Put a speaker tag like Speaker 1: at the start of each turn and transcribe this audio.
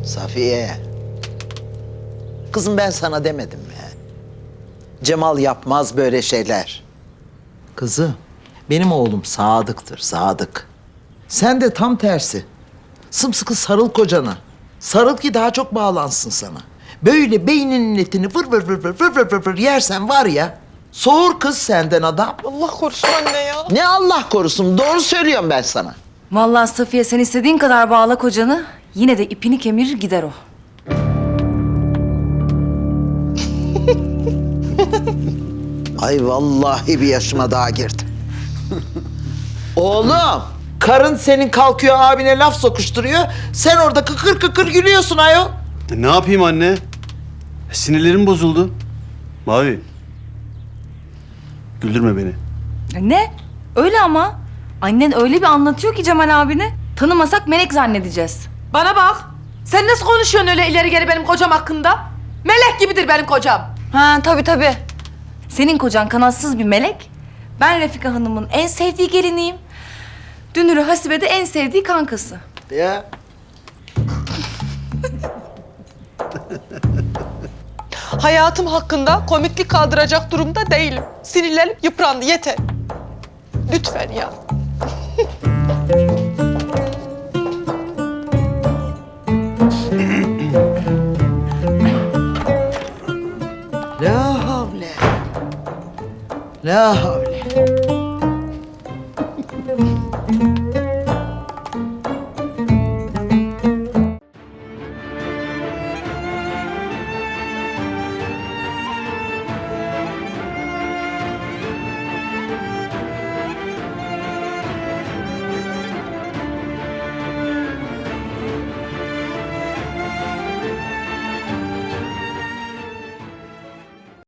Speaker 1: Safiye. Kızım ben sana demedim mi? Cemal yapmaz böyle şeyler. Kızım, benim oğlum sadıktır, sadık. Sen de tam tersi. Sımsıkı sarıl kocana. Sarıl ki daha çok bağlansın sana. Böyle beyninin etini vır vır vır vır vır vır vır vır yersen var ya... Soğur kız senden adam.
Speaker 2: Allah korusun anne ya.
Speaker 1: Ne Allah korusun, doğru söylüyorum ben sana.
Speaker 3: Vallahi Safiye sen istediğin kadar bağla kocanı. Yine de ipini kemirir gider o.
Speaker 1: Ay vallahi bir yaşıma daha girdim. Oğlum, karın senin kalkıyor abine laf sokuşturuyor. Sen orada kıkır kıkır gülüyorsun ayol.
Speaker 4: Ne yapayım anne? Sinirlerim bozuldu. Mavi. Güldürme beni.
Speaker 3: Ne? Öyle ama. Annen öyle bir anlatıyor ki Cemal abine. Tanımasak melek zannedeceğiz.
Speaker 2: Bana bak. Sen nasıl konuşuyorsun öyle ileri geri benim kocam hakkında? Melek gibidir benim kocam.
Speaker 3: Ha tabii. Senin kocan kanatsız bir melek. Ben Refika Hanım'ın en sevdiği geliniyim. Dünürü Hasibe de en sevdiği kankası.
Speaker 1: Ya.
Speaker 2: Hayatım hakkında komiklik kaldıracak durumda değilim. Sinirlerim yıprandı yeter. Lütfen ya.
Speaker 1: La havle. La havle.